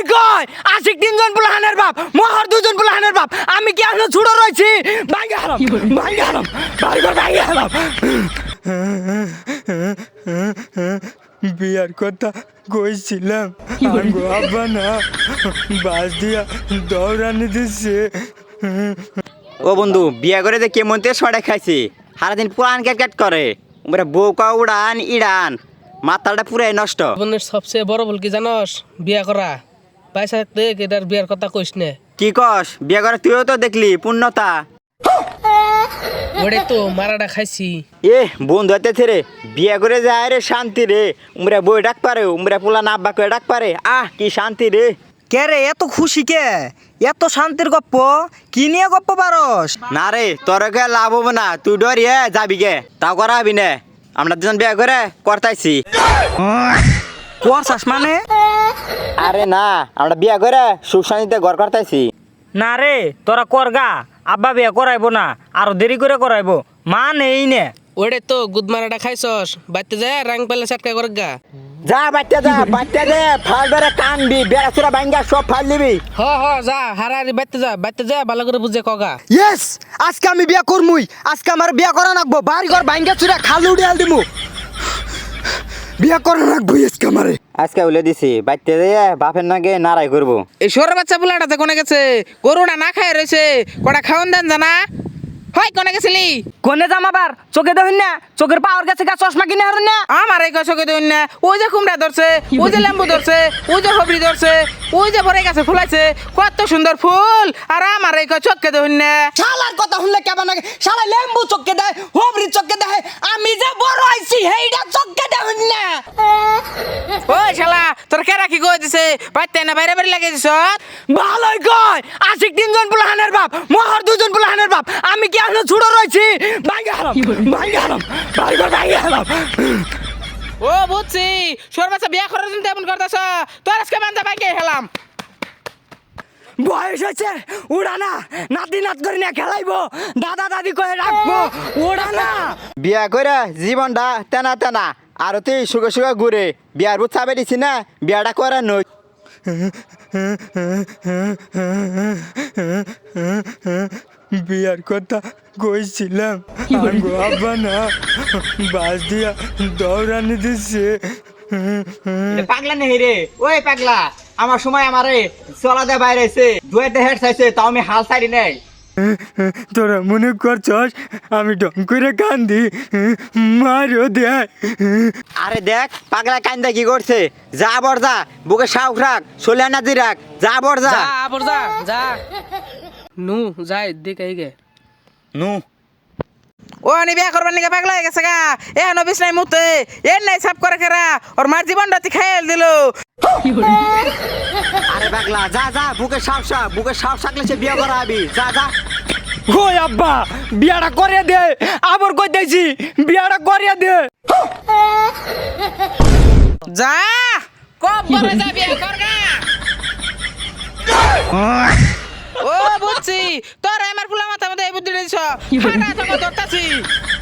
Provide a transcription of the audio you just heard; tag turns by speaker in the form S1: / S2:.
S1: ভালোই কয় আশিক তিনজন পোলাহানের বাপ মহর দুজন পোলাহানের বাপ আমি কি এখনো ছোট রয়েছি ভাঙ্গে হারাম ভাঙ্গে হারাম বিয়ার কথা কইছিলাম আঙ্গো আব্বা না বাস দিয়া দৌড়ানি দিচ্ছে।
S2: ও বন্ধু বিয়া করে যে কেমন তে সড়ে খাইছি সারাদিন পুরান ক্যাট করে বউ কা উড়ান ইড়ান মাথাটা পুরাই নষ্ট।
S3: জীবনের সবচেয়ে বড় ভুল কি জানস? বিয়া করা। পয়সা থাকতে এটার বিয়ার কথা কইস নে।
S2: কি কস বিয়া করে তুইও তো দেখলি পূর্ণতা
S3: ওরে তো মারাটা খাইছি।
S2: এ বন্ধু হাতে রে বিয়া করে যায় রে শান্তি রে উমরা বই ডাক পারে উমরা পোলা না আব্বা করে ডাক পারে আহ কি শান্তি রে।
S1: কে রে এত খুশি কে এত শান্তির গপ্প কি নিয়ে গপ্প পারস?
S2: না রে তোর কে লাভ হবো না তুই ডরিয়ে যাবি গে তাও করা হবি না আমরা দুজন বিয়া করে করতাইছি।
S1: করছাস মানে?
S2: আরে না আমরা বিয়া করে সুখ শান্তিতে ঘর করতাইছি।
S1: না রে তোরা করগা আব্বা বিয়া করাইবো না আরো দেরি করে করাইবো মা নেই নে।
S3: ওরে তো গুদ মারাটা খাইছস বাইতে যায় রাং পেলে চাটকা করে গা।
S2: যা বাচ্চা দে ফাল বেড়ে কানবি বেড়া চূড়া ভাঙ্গা সব ফাল দিবি।
S3: হ যা হারারি বাইতে যা ভালো করে বুঝে কগা।
S1: ইয়েস আজকে আমি বিয়া করমুই আজকে আমার বিয়া করা নাকবো বাড়ি ঘর ভাঙ্গা চুরা খাল উড়িয়াল দিমু বিয়া করা নাকবো আজকে আমারে।
S2: আজকে উলে দিছি বাইতে দিয়ে বাপের নাগে নারাই করবো।
S3: এই সরে বাচ্চা বুলাটাতে কোনে গেছে? গরুটা না খায় রয়েছে কটা খাওয়ান দেন জানা হয় কোনে গেছিলি?
S1: কোনে জামাবার চোখে দেখুন না চোখের পাওয়ার কাছে গা চশমা কিনে হারুন না।
S3: আমার এই চোখে দেখুন না ওই যে কুমড়া ধরছে ওই যে লেম্বু ধরছে ওই যে হবরি ধরছে ওই যে ভরে গেছে ফুলাইছে কত সুন্দর ফুল আর আমার এই চোখে দেখুন না।
S1: শালার কথা শুনলে কেমন লাগে শালা লেম্বু চোখে দেয় হবরি চোখে দেয় আমি যে বড় হইছি হেইডা চোখে দেখুন না।
S3: ওই শালা তোর কেরা কি কই দিছে বাইতে না বাইরে বাইরে লাগিয়ে দিছ?
S1: ভালোই কয় আশিক তিনজন পোলাহানের বাপ মহর দুজন পোলাহানের বাপ আমি কি এখনো ছোট রয়েছি ভাঙ্গে হারাম ভাঙ্গে হারাম।
S3: ও বুঝছি সর্বাচ্চা বিয়া করার জন্য এমন করতেছ তোর আজকে বান্ধা বাইকে হেলাম।
S1: বয়স হয়েছে উড়া না নাতি নাত করে না খেলাইবো দাদা দাদি করে রাখবো উড়া না।
S2: বিয়া করে জীবনটা তেনা তেনা আর তুই সুখে ঘুরে বিয়ার বুথ চাপে দিছি না বিয়াটা করে নই।
S1: বিয়ার কথা কইছিলাম আঙ্গো আব্বা না বাস দিয়া দৌড়ানি দিচ্ছে।
S2: পাগলা নেই রে ওই পাগলা আমার সময় আমারে চলা দে বাইরে এসে দুয়েতে হেড চাইছে তাও আমি হাল ছাড়ি নেই।
S1: তোরা মনে করছস আমি ঢং করে কান্দি মারও দেয়।
S2: আরে দেখ পাগলা কান্দা কি করছে যা বর যা বুকে সাউক রাখ সোলে না দি রাখ যা বর যা
S3: যা নু যাই দেখে গে
S2: নু
S3: ও আনি বিয়া করবার নিকে পাগলা হয়ে গেছে গা এ নবিস নাই মুতে এ নাই সাপ করে খেরা ওর মার জীবনটা খাইল দিল।
S2: আরে পাগলা যা যা বুকে সাপ সাকলে সে বিয়া করা হবি যা যা।
S1: কই আব্বা বিয়াটা করিয়ে দে আবার কই দিয়েছি বিয়াটা করিয়ে দে।
S3: যা কব করে যা বিয়া কর গা। ও বুঝছি তোর আমার ফুলা মাথা মধ্যে এই বুদ্ধি দিছ ফাটা তোকে ধরতাছি।